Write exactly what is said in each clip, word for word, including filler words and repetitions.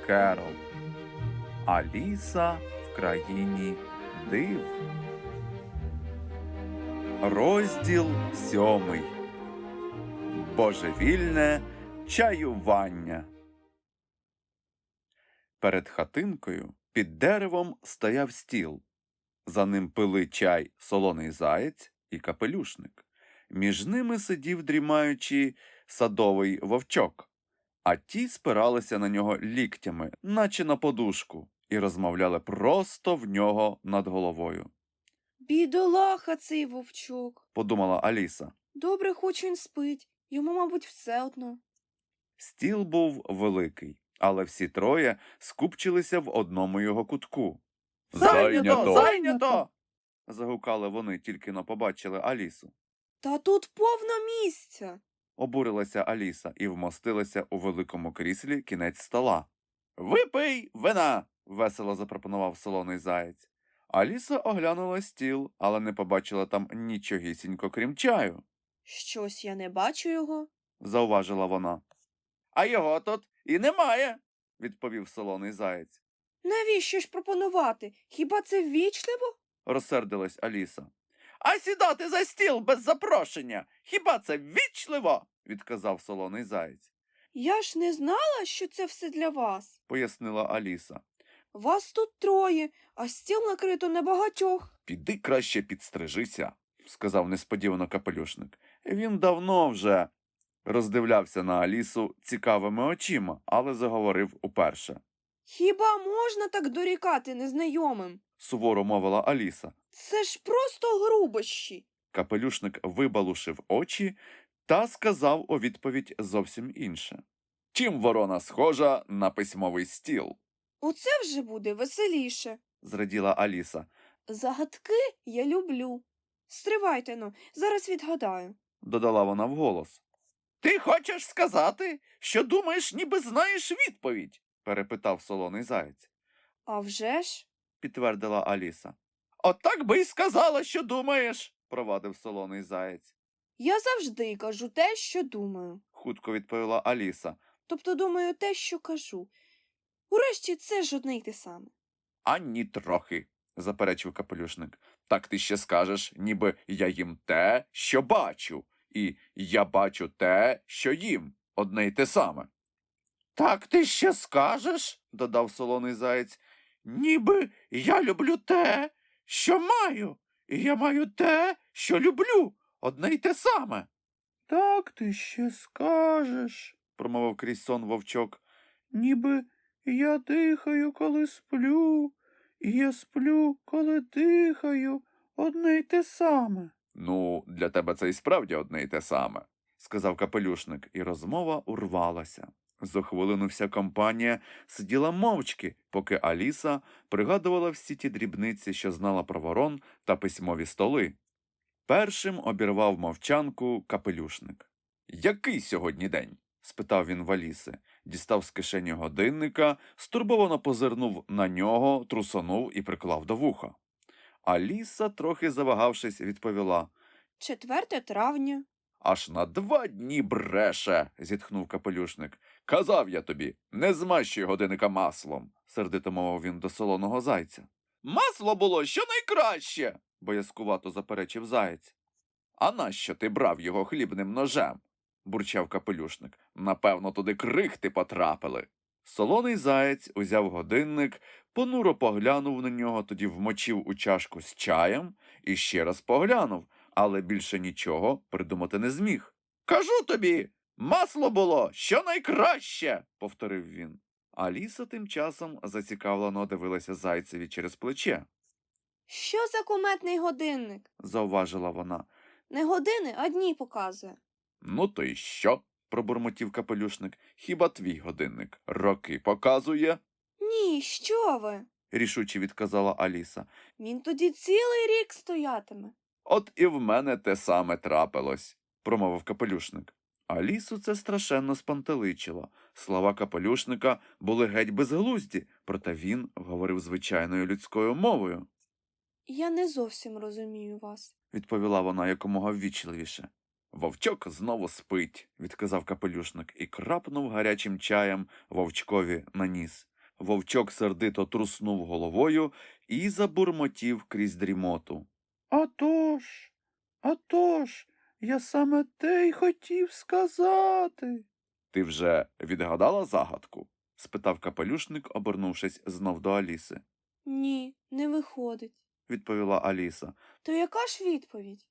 Керол. Аліса в країні див. Розділ сьомий. Божевільне чаювання. Перед хатинкою під деревом стояв стіл. За ним пили чай солоний заєць і капелюшник. Між ними сидів, дрімаючи, садовий вовчок, а ті спиралися на нього ліктями, наче на подушку, і розмовляли просто в нього над головою. Бідолаха цей вовчок, Подумала Аліса. добре хоч він спить, йому, мабуть, все одно. Стіл був великий, але всі троє скупчилися в одному його кутку. «Зайнято! Зайнято!» – загукали вони, тільки но побачили Алісу. Та тут повно місця. Обурилася Аліса і вмостилася у великому кріслі кінець стола. «Випий вина!» – весело запропонував солоний заєць. Аліса оглянула стіл, але не побачила там нічогісінько, крім чаю. Щось я не бачу його. Зауважила вона. «А його тут і немає!» – відповів солоний заєць. Навіщо ж пропонувати? Хіба це ввічливо? Розсердилась Аліса. «А сідати за стіл без запрошення! Хіба це ввічливо?» – відказав солоний заєць. Я ж не знала, що це все для вас. Пояснила Аліса. Вас тут троє, а стіл накрито на багатьох. «Піди краще підстрижися», – сказав несподівано капелюшник. Він давно вже роздивлявся на Алісу цікавими очима, але заговорив уперше. Хіба можна так дорікати незнайомим? Суворо мовила Аліса. Це ж просто грубощі. Капелюшник вибалушив очі та сказав у відповідь зовсім інше. «Чим ворона схожа на письмовий стіл?» Оце вже буде веселіше. Зраділа Аліса. Загадки я люблю. Стривайте, ну, зараз відгадаю. Додала вона вголос. «Ти хочеш сказати, що думаєш, ніби знаєш відповідь?» перепитав солоний заєць. А вже ж? Підтвердила Аліса. «От так би й сказала, що думаєш», провадив солоний заєць. Я завжди кажу те, що думаю. Хутко відповіла Аліса. Тобто думаю те, що кажу. Урешті це ж одне й те саме. «Ані трохи», заперечив капелюшник. «Так ти ще скажеш, ніби я їм те, що бачу, і я бачу те, що їм, одне й те саме». «Так ти ще скажеш», додав солоний заєць, «ніби я люблю те, що маю, і я маю те, що люблю, одне й те саме». «Так ти ще скажеш», промовив крізь сон вовчок, «ніби я дихаю, коли сплю, і я сплю, коли дихаю, одне й те саме». «Ну, для тебе це і справді одне й те саме», сказав капелюшник, і розмова урвалася. За хвилину вся компанія сиділа мовчки, поки Аліса пригадувала всі ті дрібниці, що знала про ворон та письмові столи. Першим обірвав мовчанку капелюшник. «Який сьогодні день?» – спитав він в Аліси. Дістав з кишені годинника, стурбовано позирнув на нього, трусонув і приклав до вуха. Аліса, трохи завагавшись, відповіла. Четверте травня. «Аж на два дні бреше!» – зітхнув капелюшник. «Казав я тобі, не змащуй годинника маслом!» – сердито мовив він до солоного зайця. «Масло було щонайкраще!» – боязкувато заперечив заєць. «А нащо ти брав його хлібним ножем?» – бурчав капелюшник. «Напевно, туди крихти потрапили». Солоний заєць узяв годинник, понуро поглянув на нього, тоді вмочив у чашку з чаєм і ще раз поглянув, але більше нічого придумати не зміг. «Кажу тобі, масло було щонайкраще!» – повторив він. Аліса тим часом зацікавлено дивилася зайцеві через плече. Що за куметний годинник? – зауважила вона. Не години, а дні показує. «Ну то й що?» – пробурмотів капелюшник. «Хіба твій годинник роки показує?» Ні, що ви? – рішуче відказала Аліса. Він тоді цілий рік стоятиме. «От і в мене те саме трапилось», – промовив капелюшник. Алісу це страшенно спантеличило. Слова капелюшника були геть безглузді, проте він говорив звичайною людською мовою. Я не зовсім розумію вас, – відповіла вона якомога ввічливіше. «Вовчок знову спить», – відказав капелюшник і крапнув гарячим чаєм вовчкові на ніс. Вовчок сердито труснув головою і забурмотів крізь дрімоту. «А тож, а тож, я саме те й хотів сказати». «Ти вже відгадала загадку?» – спитав капелюшник, обернувшись знов до Аліси. Ні, не виходить. – відповіла Аліса. То яка ж відповідь?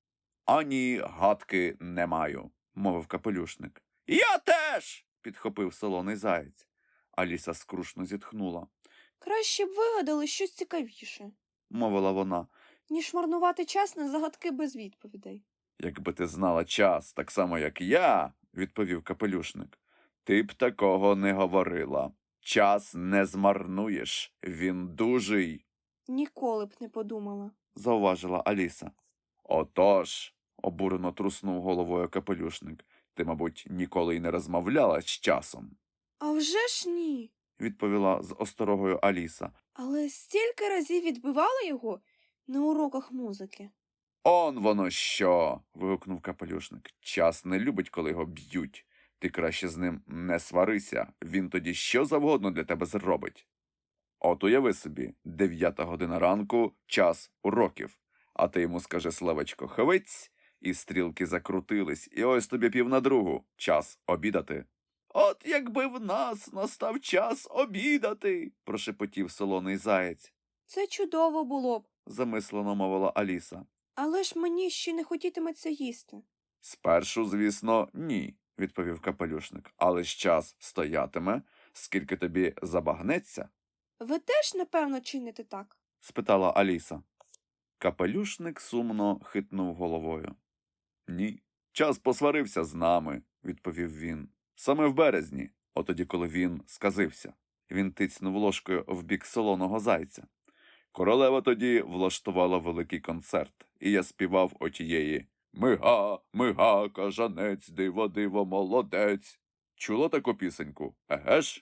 «Ані гадки не маю», – мовив капелюшник. «Я теж!» – підхопив солоний заєць. Аліса скрушно зітхнула. Краще б вигадали щось цікавіше, – мовила вона. ніж марнувати час на загадки без відповідей. «Якби ти знала час, так само, як я», – відповів капелюшник, – «ти б такого не говорила. Час не змарнуєш, він дужий», – Ніколи б не подумала. зауважила Аліса. «Отож», – обурено труснув головою капелюшник, – «ти, мабуть, ніколи й не розмовляла з часом», А вже ж ні. – відповіла з осторогою Аліса. Але стільки разів відбивала його на уроках музики. «Он воно що!» – вигукнув капелюшник. «Час не любить, коли його б'ють. Ти краще з ним не сварися, він тоді що завгодно для тебе зробить. От уяви собі, дев'ята година ранку – час уроків, а ти йому скажи словечко «хвиць», і стрілки закрутились, і ось тобі пів на другу – час обідати. «От якби в нас настав час обідати!» – прошепотів солоний заєць. Це чудово було б, Замислено мовила Аліса. але ж мені ще не хотітиметься їсти. «Спершу, звісно, ні», – відповів капелюшник, «але ж час стоятиме, скільки тобі забагнеться?» Ви теж, напевно, чините так? – спитала Аліса. Капелюшник сумно хитнув головою. «Ні, час посварився з нами», – відповів він. «Саме в березні, отоді, коли він сказився». Він тицьнув ложкою в бік солоного зайця. «Королева тоді влаштувала великий концерт, і я співав отієї «Мига, мига, кажанець, диво, диво, молодець». Чула таку пісеньку, еге ж?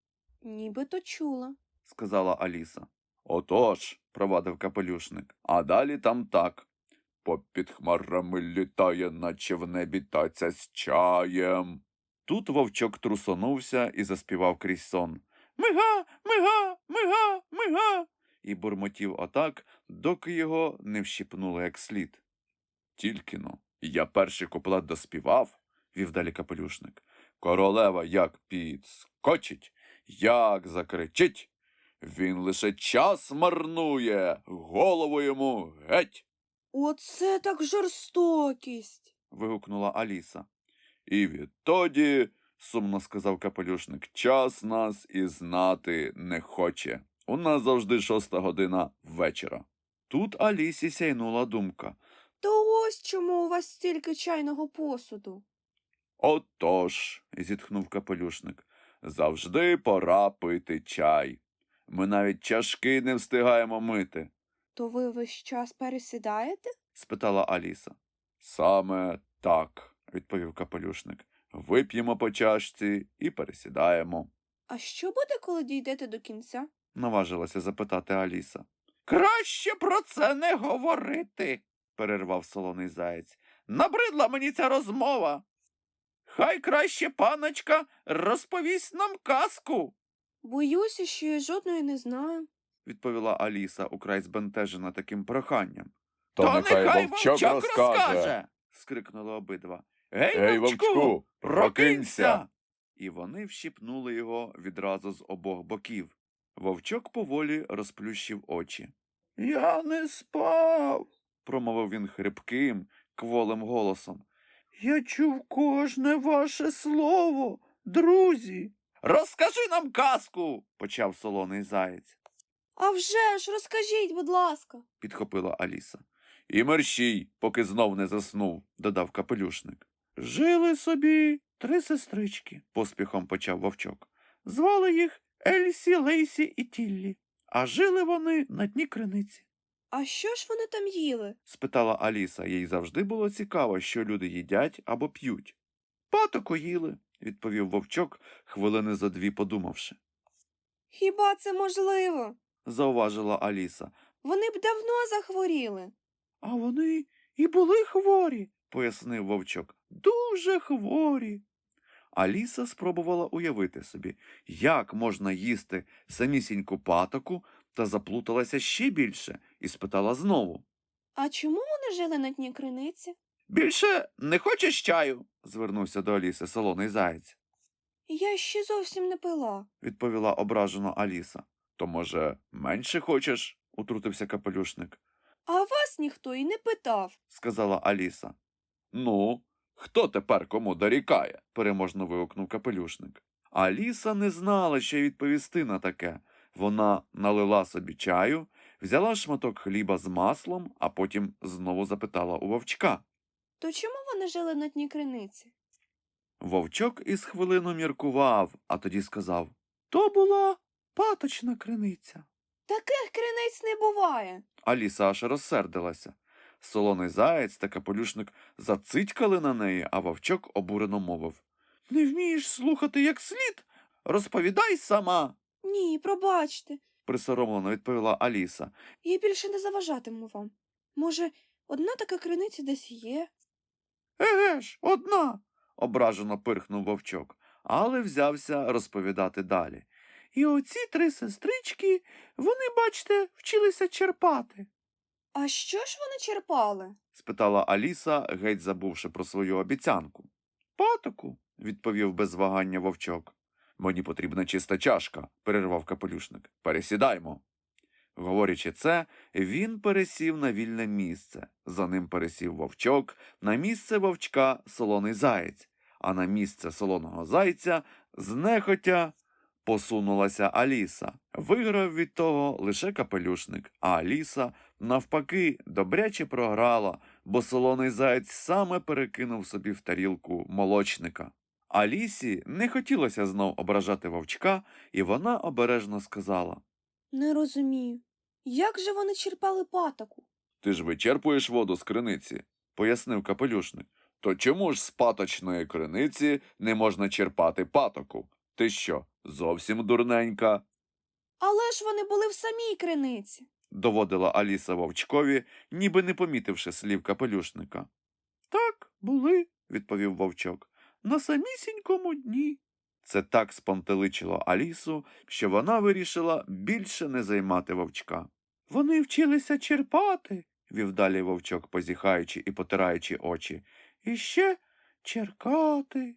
Нібито чула. – сказала Аліса. «Отож», – провадив капелюшник, – «а далі там так. Попід хмарами літає, наче в небі таця з чаєм». Тут вовчок трусонувся і заспівав крізь сон. «Мига, мига, мига, мига» і бурмотів отак, доки його не вщипнуло як слід. «Тільки-но, я перший куплет доспівав», – вів далі капелюшник. «Королева як підскочить, як закричить. Він лише час марнує, голову йому геть!» Оце так жорстокість. – вигукнула Аліса. «І відтоді, – сумно сказав капелюшник, – час нас і знати не хоче. У нас завжди шоста година вечора». Тут Алісі сяйнула думка. То ось чому у вас стільки чайного посуду. «Отож», – зітхнув капелюшник, – «завжди пора пити чай. Ми навіть чашки не встигаємо мити», – То ви весь час пересідаєте? спитала Аліса. «Саме так», – відповів капелюшник. «Вип'ємо по чашці і пересідаємо», А що буде, коли дійдете до кінця? – наважилася запитати Аліса. «Краще про це не говорити», – перервав солоний заєць. «Набридла мені ця розмова. Хай краще паночка розповість нам казку», Боюся, що я жодної не знаю. – відповіла Аліса, украй збентежена таким проханням. То нехай вовчок розкаже. – скрикнули обидва. «Гей, Ей, вовчку, вовчку, прокинься!» прокинься! І вони вщипнули його відразу з обох боків. Вовчок поволі розплющив очі. «Я не спав», – промовив він хрипким, кволим голосом. «Я чув кожне ваше слово, друзі». «Розкажи нам казку», – почав солоний заєць, А вже ж, розкажіть, будь ласка. – підхопила Аліса. «І мерщій, поки знов не заснув», – додав капелюшник. «Жили собі три сестрички», – поспіхом почав вовчок. «Звали їх Ельсі, Лейсі і Тіллі, а жили вони на дні криниці». А що ж вони там їли? – спитала Аліса. Їй завжди було цікаво, що люди їдять або п'ють. «Патоку їли», – відповів вовчок, хвилини зо дві подумавши. Хіба це можливо? – зауважила Аліса. Вони б давно захворіли. «А вони і були хворі», – пояснив вовчок. «Дуже хворі. Аліса спробувала уявити собі, як можна їсти самісіньку патоку, та заплуталася ще більше і спитала знову. А чому вони жили на дні криниці? «Більше не хочеш чаю?» – звернувся до Аліси солоний заєць. Я ще зовсім не пила. Відповіла ображено Аліса. «То, може, менше хочеш?» – утрутився капелюшник. А вас ніхто і не питав. Сказала Аліса. «Ну, хто тепер кому дорікає?» – переможно вигукнув капелюшник. Аліса не знала, що й відповісти на таке. Вона налила собі чаю, взяла шматок хліба з маслом, а потім знову запитала у вовчка. То чому вони жили на дні криниці? Вовчок із хвилину міркував, а тоді сказав. «То була паточна криниця». Таких криниць не буває. Аліса аж розсердилася. Солоний заєць та капелюшник зацитькали на неї, а вовчок обурено мовив. «Не вмієш слухати як слід? Розповідай сама!» Ні, пробачте. Присоромлено відповіла Аліса. Я більше не заважатиму вам. Може, одна така криниця десь є? «Еге ж, одна!» – ображено пирхнув вовчок, але взявся розповідати далі. «І оці три сестрички, вони, бачте, вчилися черпати». А що ж вони черпали? – спитала Аліса, геть забувши про свою обіцянку. «Патоку», – відповів без вагання вовчок. «Мені потрібна чиста чашка», – перервав капелюшник. «Пересідаймо». Говорячи це, він пересів на вільне місце. За ним пересів вовчок, на місце вовчка – солоний заєць, а на місце солоного зайця знехотя посунулася Аліса. Виграв від того лише капелюшник, а Аліса, навпаки, добряче програла, бо солоний заєць саме перекинув собі в тарілку молочника. Алісі не хотілося знов ображати вовчка, і вона обережно сказала. Не розумію. Як же вони черпали патоку? «Ти ж вичерпуєш воду з криниці», – пояснив капелюшник. «То чому ж з паточної криниці не можна черпати патоку? Ти що, зовсім дурненька?» Але ж вони були в самій криниці. Доводила Аліса вовчкові, ніби не помітивши слів капелюшника. «Так, були», – відповів вовчок, – «на самісінькому дні». Це так спантеличило Алісу, що вона вирішила більше не займати вовчка. «Вони вчилися черпати», – вів далі вовчок, позіхаючи і потираючи очі. «І ще черкати.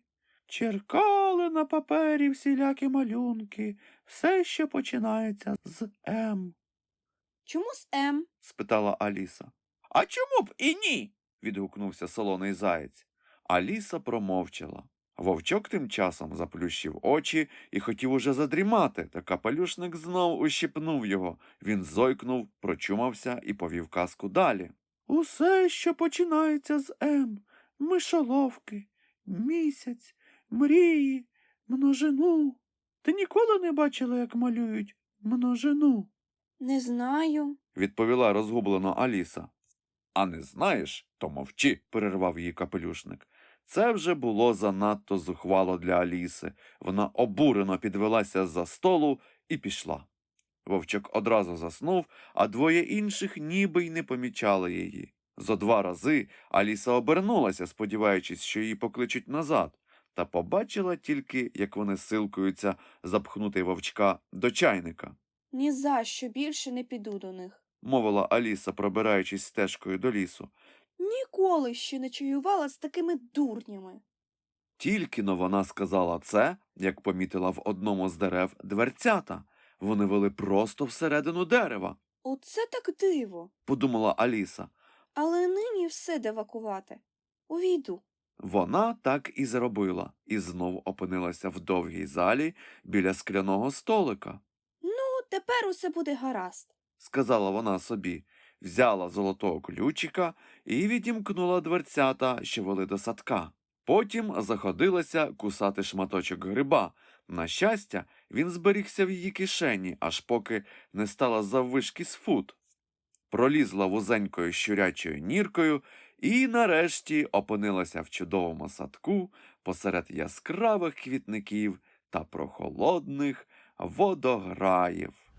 Черкали на папері всілякі малюнки, все, що починається з М». Чому з М? – спитала Аліса. «А чому б і ні?» – відгукнувся солоний заєць. Аліса промовчала. Вовчок тим часом заплющив очі і хотів уже задрімати, та капелюшник знов ущипнув його. Він зойкнув, прочумався і повів казку далі. «Усе, що починається з М, мишоловки, місяць, мрії, множину. Ти ніколи не бачила, як малюють множину?» Не знаю. – відповіла розгублено Аліса. «А не знаєш, то мовчи», – перервав її капелюшник. Це вже було занадто зухвало для Аліси. Вона обурено підвелася з-за столу і пішла. Вовчок одразу заснув, а двоє інших ніби й не помічали її. Зо два рази Аліса обернулася, сподіваючись, що її покличуть назад, та побачила тільки, як вони силкуються запхнути вовчка до чайника. Ні за що більше не піду до них. Мовила Аліса, пробираючись стежкою до лісу. Ніколи ще не чаювала з такими дурнями. Тільки-но вона сказала це, як помітила в одному з дерев дверцята. Вони вели просто всередину дерева, Оце так диво. подумала Аліса. Але нині все девакувати. Увійду. Вона так і зробила, і знов опинилася в довгій залі біля скляного столика. Ну, тепер усе буде гаразд. Сказала вона собі, взяла золотого ключика і відімкнула дверцята, що вели до садка. Потім заходилася кусати шматочок гриба. На щастя, він зберігся в її кишені, аж поки не стала заввишки з фут. Пролізла вузенькою щурячою ніркою і нарешті опинилася в чудовому садку посеред яскравих квітників та прохолодних водограїв.